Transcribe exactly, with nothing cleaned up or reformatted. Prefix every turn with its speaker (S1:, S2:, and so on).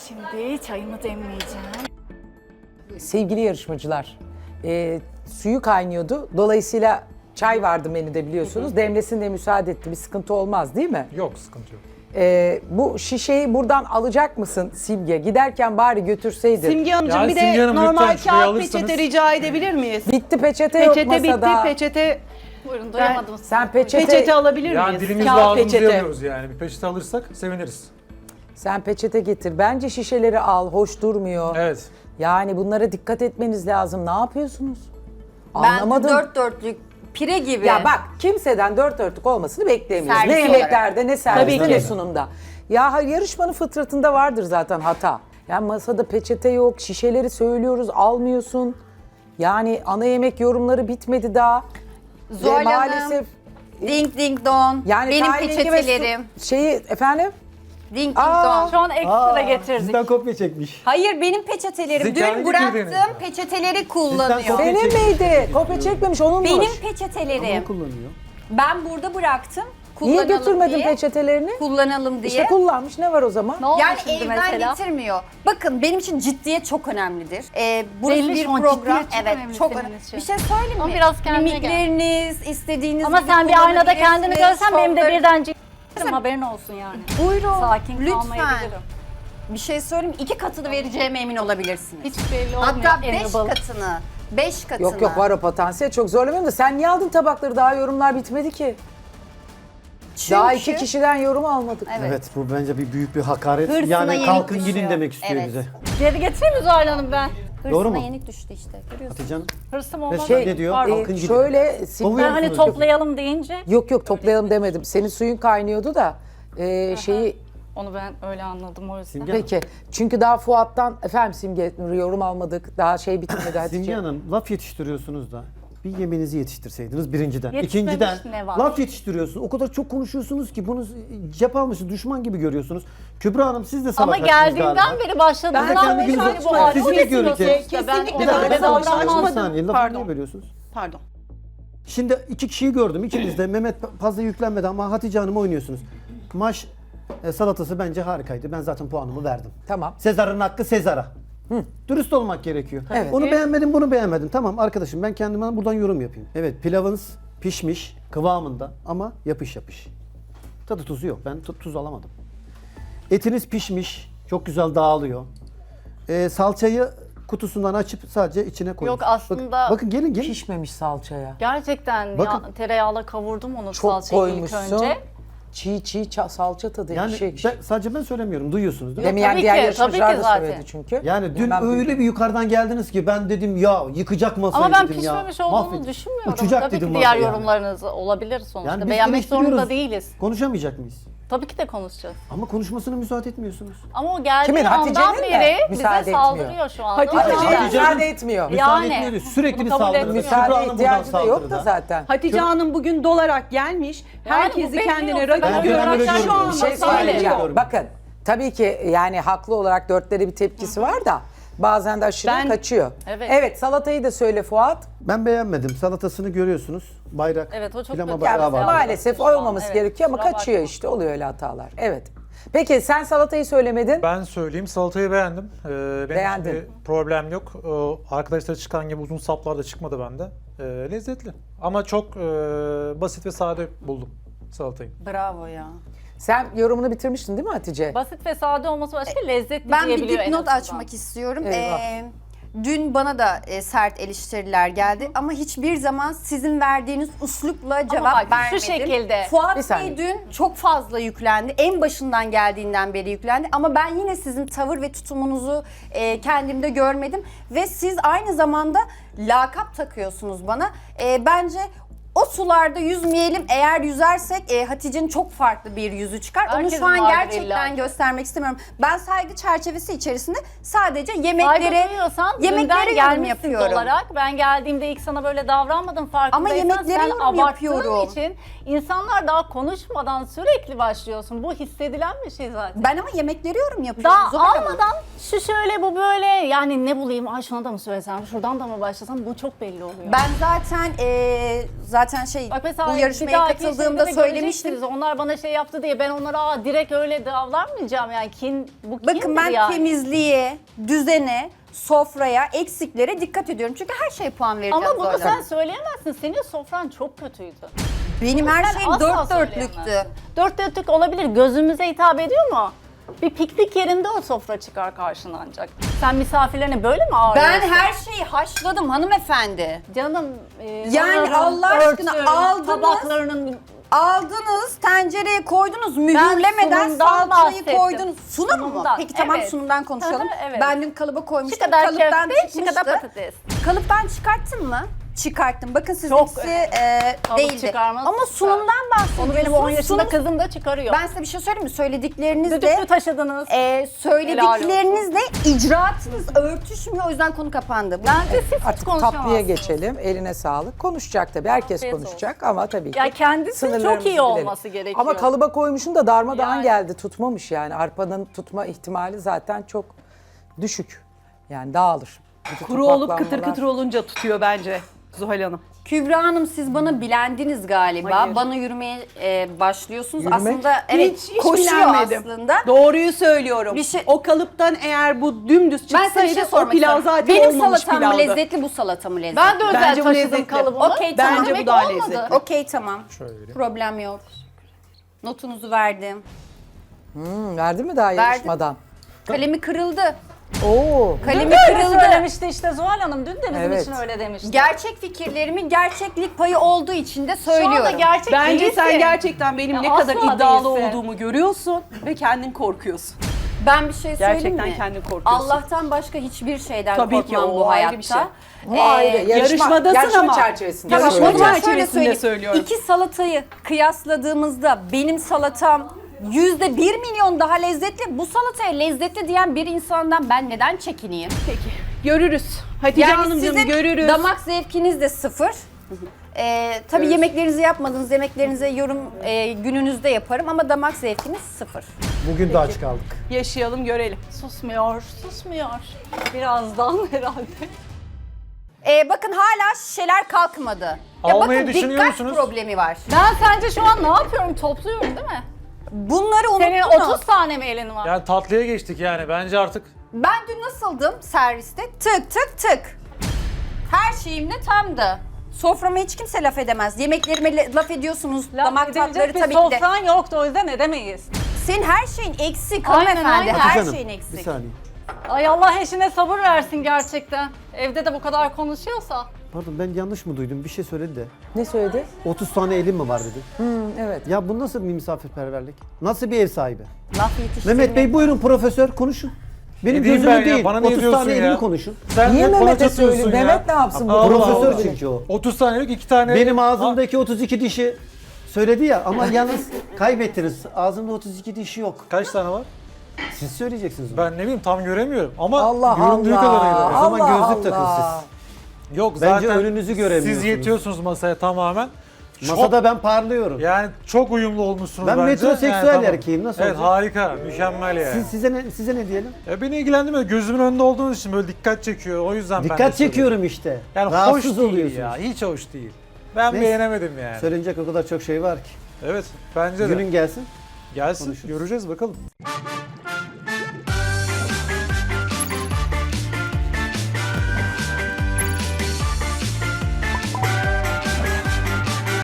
S1: Şimdi çayımı demleyeceğim.
S2: Sevgili yarışmacılar, e, suyu kaynıyordu. Dolayısıyla çay vardı menüde biliyorsunuz. Demlesin de müsaade etti. Bir sıkıntı olmaz değil mi?
S3: Yok, sıkıntı yok.
S2: E, bu şişeyi buradan alacak mısın Simge? Giderken bari götürseydin.
S4: Simge Hanımcığım
S3: Yani
S4: bir
S3: Simge
S4: de
S3: Hanım,
S4: normal
S3: lütfen şuraya
S4: kağıt
S3: alırsanız.
S4: peçete rica edebilir miyiz?
S2: Bitti peçete, yok
S4: Peçete bitti,
S2: masada.
S4: peçete
S1: Buyurun doyamadım.
S2: Sen peçete,
S4: peçete alabilir
S3: Yani
S4: miyiz?
S3: dilimizle
S4: Kağıt
S3: ağzımızı
S4: peçete.
S3: yapıyoruz yani. Bir peçete alırsak seviniriz.
S2: sen peçete getir. Bence şişeleri al. Hoş durmuyor.
S3: Evet.
S2: Yani bunlara dikkat etmeniz lazım. Ne yapıyorsunuz?
S5: Ben
S2: Anlamadım.
S5: dört dörtlük pire gibi.
S2: Ya bak kimseden dört dörtlük olmasını beklemiyoruz.
S5: Servis
S2: Ne
S5: olarak.
S2: yemeklerde ne serviste
S4: Tabii
S2: ne
S4: ki.
S2: sunumda. Ya ha- yarışmanın fıtratında vardır zaten hata. Ya masada peçete yok, şişeleri söylüyoruz almıyorsun. Yani ana yemek yorumları bitmedi daha.
S5: Zuhal
S2: Ve
S5: Hanım,
S2: maalesef
S5: Ding ding don.
S2: yani
S5: Benim
S2: kahverengi ve su-
S5: peçetelerim.
S2: Şeyi efendim?
S5: Ding ding
S2: Aa,
S5: don.
S1: Şu an ekstra getirdik.
S6: Sizden kopya çekmiş.
S5: Hayır benim peçetelerim.
S3: Sizin kendi
S5: Dün bıraktım
S3: getirdiğiniz.
S5: peçeteleri kullanıyor.
S6: Sizden
S2: Benim
S6: Kopya
S2: miydi? Kopya çekmemiş onunmuş.
S5: Benim
S6: Onu
S5: peçetelerim.
S6: kullanıyor.
S5: Ben burada bıraktım.
S2: Niye
S5: Kullanalım
S2: götürmedin
S5: diye.
S2: peçetelerini?
S5: Kullanalım diye.
S2: İşte kullanmış ne var o zaman?
S1: Ne oldu
S5: Yani
S1: şimdi
S5: evden
S1: mesela?
S5: getirmiyor. Bakın benim için ciddiyet çok önemlidir. Ee, burası
S1: Belli
S5: bir
S1: şu an
S5: program.
S1: ciddiyet çok
S5: Evet
S1: önemli
S5: çok
S1: senin
S5: önemli.
S1: için.
S5: Bir şey söyleyeyim
S1: Ama
S5: mi?
S1: biraz kendine gel.
S5: Mimikleriniz, istediğiniz
S1: Ama
S5: gibi
S1: sen bir aynada kendini
S5: kullanabilirsiniz.
S1: görsen benim de
S5: Şovları-
S1: birden ciddim haberin olsun yani.
S5: Buyurun.
S1: Sakin
S5: lütfen.
S1: kalmayabilirim.
S5: Bir şey söyleyeyim mi? İki katını vereceğime emin olabilirsiniz.
S1: Hiç belli olmuyor.
S5: Hatta beş
S1: Enable.
S5: katını. Beş katını.
S2: Yok yok var o potansiyel çok zorlamıyorum da sen niye aldın tabakları daha yorumlar bitmedi ki.
S5: Çünkü...
S2: Daha iki kişiden yorum almadık.
S5: Evet.
S6: Evet. bu bence bir büyük bir hakaret.
S5: Hırsına
S6: yani
S5: yenik
S6: kalkın
S5: düşüyor.
S6: gidin demek istiyor
S5: Evet.
S6: bize.
S1: Geri getireyim mi Zuhal Hanım ben?
S5: Hırsına
S6: Doğru mu?
S5: yenik düştü işte. Görüyorsun.
S6: Hatice Hanım.
S1: Hırsım olmaz.
S6: Şey, ne diyor?
S1: Pardon.
S6: Kalkın gidin.
S2: Şöyle Simge-
S6: Kovuyor
S1: Ben hani
S6: musunuz?
S1: toplayalım deyince
S2: Yok yok toplayalım demedim. Senin suyun kaynıyordu da e, şeyi
S1: onu ben öyle anladım o yüzden.
S6: Simge-
S2: peki. Çünkü daha Fuat'tan efendim Simge yorum almadık. Daha şey bitmedi
S6: Simge
S2: Hatice.
S6: Hanım laf yetiştiriyorsunuz da bir yemeğinizi yetiştirseydiniz birinciden.
S1: Yetişmemiş
S6: İkinciden
S1: ne var?
S6: laf yetiştiriyorsunuz. O kadar çok konuşuyorsunuz ki bunu cep almışsınız, düşman gibi görüyorsunuz. Kübra Hanım siz de
S1: Ama
S6: salakarsınız
S1: geldiğimden
S6: galiba.
S1: beri başladığından
S6: Ben de kendi
S1: beri
S6: gününüzü
S1: yani bu
S6: açmayın.
S1: halde
S6: Sizi
S1: o
S6: bekliyorum
S1: getiriyorsunuz
S6: ki.
S1: işte. Ben
S4: Kesinlikle
S1: ona
S4: ben
S1: öyle
S4: de
S6: savaş
S4: davranmadım.
S1: davranmam.
S6: Bir saniye lafı
S4: Pardon.
S6: niye bölüyorsunuz?
S4: Pardon.
S6: Şimdi iki kişiyi gördüm. İkiniz de Mehmet fazla yüklenmedi ama Hatice Hanım'ı oynuyorsunuz. Maş e, salatası bence harikaydı. Ben zaten puanımı verdim.
S2: Tamam.
S6: Sezar'ın hakkı Sezar'a. Dürüst olmak gerekiyor.
S2: Evet.
S6: Onu beğenmedim, bunu beğenmedim. Tamam arkadaşım ben kendime buradan yorum yapayım. Evet pilavınız pişmiş kıvamında ama yapış yapış. Tadı tuzu yok. Ben tu- tuz alamadım. Etiniz pişmiş. Çok güzel dağılıyor. Ee, salçayı kutusundan açıp sadece içine koyun.
S1: Yok, aslında-
S6: Bakın, bakın gelin gelin.
S2: Pişmemiş salçaya.
S1: Gerçekten
S6: Bakın.
S1: ya, tereyağla kavurdum onu
S2: Çok
S1: salçayı ilk
S2: koymuşsun.
S1: önce.
S2: Çiğ çiğ ça- salça tadı.
S6: Yani
S2: ekşi ekşi.
S6: ben- sadece ben söylemiyorum. Duyuyorsunuz değil mi?
S2: Demeyen
S1: Tabii
S2: diğer
S1: ki,
S2: yarışmacılar
S1: tabii
S2: da
S1: ki zaten.
S2: söyledi çünkü.
S6: Yani dün
S2: Ben
S6: öyle
S2: duydum.
S6: bir yukarıdan geldiniz ki ben dedim ya yıkacak masayı
S1: Ama ben
S6: dedim ya.
S1: pişmemiş olduğunu
S6: mahvedecek.
S1: düşünmüyorum.
S6: Uçacak
S1: Tabii
S6: dedim
S1: ki diğer
S6: masayı yani.
S1: yorumlarınız olabilir sonuçta.
S6: Yani biz
S1: Beğenmek zorunda
S6: eleştiriyoruz.
S1: değiliz.
S6: Konuşamayacak mıyız?
S1: Tabii ki de konuşacağız.
S6: Ama konuşmasına müsaade etmiyorsunuz.
S1: Ama o geldiği
S2: Kimin?
S1: andan
S2: Hatice'nin mi?
S1: beri
S2: Müsaade
S1: bize
S2: etmiyor.
S1: saldırıyor şu anda.
S4: Hatice-
S1: O yüzden-
S2: Hatice'ye
S6: Hatice'nin-
S2: müsaade etmiyor.
S6: Müsaade
S1: Yani,
S6: etmiyoruz. Sürekli
S1: bunu
S6: bir
S1: kabul
S6: saldırı.
S1: etmiyorum.
S6: Kübra
S2: Müsaade
S6: Hanım buradan
S2: ihtiyacı da yok da
S6: saldırıda.
S2: zaten.
S4: Hatice Hanım bugün dolarak gelmiş.
S1: Yani
S4: Herkesi
S1: bu belli
S4: kendine
S1: olsa
S4: rakip
S1: ben
S6: Ben
S4: görerek
S6: öyle
S4: şu
S6: görüyorum.
S4: an
S2: Bir şey
S1: Masayla
S2: söyleyeceğim.
S6: yapıyorum.
S2: Bakın tabii ki yani haklı olarak dörtlere bir tepkisi var da bazen de aşırı
S4: Ben-
S2: kaçıyor.
S1: Evet.
S2: Evet salatayı da söyle Fuat.
S6: Ben beğenmedim. Salatasını görüyorsunuz. Bayrak.
S1: Evet, o çok
S6: flama
S1: kötü.
S6: bayrağı
S2: Yani
S6: var.
S2: maalesef
S1: Şu an,
S2: olmaması
S1: evet,
S2: gerekiyor ama
S1: kusura
S2: kaçıyor
S1: bakma.
S2: işte oluyor öyle hatalar. Evet. Peki sen salatayı söylemedin.
S3: Ben söyleyeyim, salatayı beğendim. Ee, benim
S2: Beğendin.
S3: için bir problem yok. Ee, arkadaşlar çıkan gibi uzun saplar da çıkmadı bende. Ee, lezzetli. Ama çok e, basit ve sade buldum salatayı.
S5: Bravo ya.
S2: Sen yorumunu bitirmiştin değil mi Hatice?
S1: Basit ve sade olması başka, lezzetli
S5: Ben bir
S1: diyebiliyor en
S5: dipnot
S1: azından.
S5: açmak istiyorum.
S2: Eyvah.
S5: Ee, dün bana da e, sert eleştiriler geldi ama hiçbir zaman sizin verdiğiniz üslupla cevap
S1: bak, şu
S5: vermedim.
S1: şekilde.
S2: Bir
S5: Fuat
S2: saniye.
S5: Bey dün çok fazla yüklendi. En başından geldiğinden beri yüklendi. Ama ben yine sizin tavır ve tutumunuzu e, kendimde görmedim. Ve siz aynı zamanda lakap takıyorsunuz bana. E, bence o sularda yüzmeyelim. Eğer yüzersek e, Hatice'nin çok farklı bir yüzü çıkar. Onu
S1: Herkesin
S5: şu an
S1: vardır
S5: gerçekten
S1: illa ki.
S5: göstermek istemiyorum. Ben saygı çerçevesi içerisinde sadece
S1: Saygı
S5: yemeklere
S1: duyuyorsan
S5: yemeklere
S1: dünden
S5: yorum
S1: gelmişsin
S5: yapıyorum.
S1: olarak. Ben geldiğimde ilk sana böyle davranmadım farkındaysan.
S5: yemeklere
S1: sen
S5: yorum
S1: abarttığın
S5: yapıyorum.
S1: için insanlar daha konuşmadan sürekli başlıyorsun. Bu hissedilen bir şey zaten.
S5: Ben ama yemeklere yorum yapıyorum.
S1: Daha
S5: Zuhal Hanım.
S1: almadan Şu şöyle bu böyle yani ne bulayım ay şuna da mı söylesem şuradan da mı başlasam bu çok belli oluyor.
S5: Ben zaten e, zaten şey
S1: Bak mesela
S5: bu
S1: bir
S5: yarışmaya
S1: dahaki
S5: katıldığımda
S1: şeyde de
S5: söylemiştim.
S1: göreceksiniz. Onlar bana şey yaptı diye ben onlara aa, direkt öyle davranmayacağım yani kin bu kindir
S5: Bakın ben
S1: yani.
S5: temizliğe, düzene, sofraya, eksiklere dikkat ediyorum. Çünkü her şeye puan vereceğim
S1: Ama bunu
S5: Zuhal
S1: sen
S5: Hanım.
S1: söyleyemezsin. Senin sofran çok kötüydü.
S5: Benim her
S1: Sen
S5: şeyim
S1: asla
S5: dört dörtlüktü.
S1: söyleyemezsin. Dört dörtlük olabilir. Gözümüze hitap ediyor mu? Bir piknik yerinde o sofra çıkar karşına ancak. Sen misafirlerine böyle mi ağırlıyorsun?
S5: Ben her şeyi haşladım hanımefendi.
S1: Canım e,
S5: Yani
S1: onların
S5: Allah aşkına
S1: örtü,
S5: aldınız.
S1: tabaklarının
S5: Aldınız, tencereye koydunuz, mühürlemeden
S1: sunumdan
S5: salçayı
S1: bahsettim.
S5: koydunuz. Sunum mu?
S1: Sunumdan,
S5: Peki tamam
S1: evet.
S5: sunumdan konuşalım.
S1: Hı hı, evet.
S5: Ben dün kalıba
S1: şu
S5: koymuştum.
S1: kadar
S5: Kalıptan
S1: köfte, şu
S5: çıkmıştı.
S1: kadar patates.
S5: Kalıptan çıkarttın mı? Çıkarttım. Bakın
S1: Çok
S5: sizinkisi e,
S1: Kalıp
S5: değildi.
S1: çıkarmaz,
S5: Ama
S1: çıkar.
S5: sunumdan bahsediyorsunuz.
S1: Onu benim on yaşında
S5: Sunum-
S1: kızım da çıkarıyor.
S5: Ben size bir şey söyleyeyim mi? Söyledikleriniz de
S1: Düdüklü taşıdınız.
S5: e, söylediklerinizle icraatınız örtüşmüyor. O yüzden konu kapandı.
S1: Bence siz hiç
S2: Artık
S1: konuşamazsınız.
S2: tatlıya geçelim. Eline sağlık. Konuşacak tabii. Herkes
S1: Afiyet
S2: konuşacak ama tabii ki
S1: Ya kendisi çok
S2: sınırlarımızı
S1: iyi
S2: bilelim.
S1: olması gerekiyor.
S2: Ama kalıba koymuşun da darmadağın
S1: Yani.
S2: geldi. Tutmamış yani. Arpanın tutma ihtimali zaten çok düşük. Yani dağılır. Bütün
S4: Kuru olup
S2: topaklanmalar-
S4: kıtır kıtır olunca tutuyor bence Zuhal Hanım.
S5: Kübra Hanım siz bana bilendiniz galiba.
S4: Hayır.
S5: Bana yürümeye e, başlıyorsunuz.
S2: Yürümek?
S5: Aslında evet
S4: hiç, hiç
S5: koşuyor
S4: bilenmedim.
S5: aslında.
S4: Doğruyu söylüyorum.
S5: Bir şey-
S4: O kalıptan eğer bu dümdüz
S5: Ben size bir
S4: çıksaydı
S5: şey
S4: o
S5: sormak
S4: pilav
S5: istiyorum.
S4: zaten
S5: Benim
S4: olmamış
S5: salatam mı
S4: pilavdı.
S5: lezzetli, bu salata mı lezzetli?
S1: Ben de özel
S4: Bence bu
S1: taşıdım
S4: lezzetli.
S1: kalıbımı.
S5: Okey tamam.
S4: Bence bu
S1: Demek
S4: daha
S1: olmadı.
S4: lezzetli.
S5: Okey tamam.
S3: Şöyle vereyim.
S5: Problem yok. Notunuzu verdim.
S2: Hmm, verdi mi daha
S5: Verdim.
S2: yarışmadan?
S5: Kalemi kırıldı.
S2: Oo.
S1: Kalemi
S5: Kalemi
S1: öyle
S5: kırıldı.
S1: söylemişti işte Zuhal Hanım. Dün de bizim
S2: Evet.
S1: için öyle demişti.
S5: Gerçek fikirlerimi gerçeklik payı olduğu için de
S1: Şu anda
S5: söylüyorum.
S1: gerçek
S4: Bence
S1: değilsin.
S4: sen gerçekten benim
S1: Ya
S4: ne kadar
S1: asla
S4: iddialı
S1: değilsin.
S4: olduğumu görüyorsun ve kendin korkuyorsun.
S5: Ben bir şey söyleyeyim
S4: Gerçekten
S5: mi?
S4: kendin korkuyorsun.
S5: Allah'tan başka hiçbir şeyden
S4: Tabii ki,
S5: korkmam
S4: o
S5: bu
S4: ayrı
S5: hayatta.
S4: bir şey.
S2: Bu
S5: Ee,
S2: ayrı. Yarışma,
S4: yarışmadasın
S2: yarışma
S4: ama.
S2: çerçevesinde.
S5: Tamam,
S4: Yarışma
S5: o zaman
S2: söylüyorum.
S5: şöyle
S4: çerçevesinde
S5: söyleyeyim.
S4: söylüyorum.
S5: İki salatayı kıyasladığımızda benim salatam yüzde bir milyon daha lezzetli. Bu salataya lezzetli diyen bir insandan ben neden çekineyim?
S4: Peki. Görürüz. Hatice
S5: Yani
S4: Hanımcığım
S5: sizin
S4: görürüz.
S5: damak zevkiniz de sıfır. Ee, tabii
S4: Görürüz.
S5: yemeklerinizi yapmadınız, yemeklerinize yorum e, gününüzde yaparım ama damak zevkiniz sıfır.
S6: Bugün de aç kaldık.
S4: Yaşayalım görelim.
S1: Susmuyor, susmuyor. Birazdan herhalde.
S5: Ee, bakın hala şişeler kalkmadı. Ya
S3: Almayı
S5: bakın
S3: düşünüyor
S5: dikkat
S3: musunuz?
S5: problemi var.
S1: Ben sence şu an ne yapıyorum? Topluyorum değil mi?
S5: Bunları
S1: Senin
S5: unuttunuz.
S1: otuz tane mi elin var?
S3: Yani tatlıya geçtik yani. Bence artık
S5: Ben dün nasıldım serviste? Tık tık tık. Her şeyim de tamdı. Soframa hiç kimse laf edemez. Yemeklerime le- laf ediyorsunuz.
S1: Laf
S5: Damak
S1: edilecek
S5: tatları
S1: bir
S5: tabii ki de.
S1: sofran yoktu o yüzden edemeyiz.
S5: Senin her şeyin eksik
S1: Aynen,
S5: hanımefendi.
S1: aynen.
S5: Her
S6: Hatice Hanım,
S5: şeyin
S6: bir
S5: eksik.
S6: saniye.
S1: Ay Allah eşine sabır versin gerçekten. Evde de bu kadar konuşuyorsa.
S6: Pardon ben yanlış mı duydum? Bir şey söyledi de.
S2: Ne söyledi?
S6: otuz tane elim mi var dedi.
S2: Hmm, evet.
S6: Ya bu nasıl bir misafirperverlik? Nasıl bir ev sahibi?
S5: Laf yetiştirmek.
S6: Mehmet Bey buyurun profesör konuşun. Benim
S3: Ne diyeyim
S6: gözümü
S3: ben ya?
S6: değil,
S3: Bana niye
S6: otuz
S3: diyorsun
S6: tane
S3: ya?
S6: elimi konuşun.
S3: sen
S2: Niye
S3: hep bana
S2: Mehmet'e
S3: çatıyorsun
S2: söylüyorsun?
S3: ya.
S2: Mehmet ne yapsın bu?
S3: Allah
S6: Profesör
S3: Allah.
S6: çünkü o.
S3: otuz tane yok, iki tane.
S6: Benim ağzımdaki otuz iki dişi söyledi ya ama yalnız kaybettiniz. Ağzımda otuz iki dişi yok.
S3: Kaç tane var?
S6: Siz söyleyeceksiniz onu.
S3: Ben ne bileyim tam göremiyorum ama
S2: Allah
S3: göründüğü
S2: Allah.
S3: kadarıyla.
S6: O zaman
S2: Allah
S6: gözlük takın
S2: Allah.
S3: Yok
S6: Bence
S3: zaten
S6: önünüzü göremiyorsunuz.
S3: siz yetiyorsunuz masaya tamamen. Çok-
S6: Masada ben parlıyorum.
S3: Yani çok uyumlu olmuşsunuz
S6: Ben
S3: bence.
S6: metroseksüel
S3: Yani tamam.
S6: erkeğim, nasıl
S3: Evet
S6: olacak?
S3: harika, mükemmel yani.
S6: Siz, size ne, size ne diyelim?
S3: Ya beni ilgilendirmiyor. Gözümün önünde olduğunuz için böyle dikkat çekiyor. O yüzden ben de
S6: Dikkat
S3: söylüyorum.
S6: çekiyorum işte.
S3: Yani
S6: Rahatsız
S3: hoş değil
S6: oluyorsunuz.
S3: ya. Hiç hoş değil. Ben
S6: Neyse.
S3: beğenemedim yani.
S6: Söylenecek o kadar çok şey var ki.
S3: Evet bence de.
S6: Günün gelsin.
S3: Gelsin
S6: konuşuruz.
S3: göreceğiz bakalım.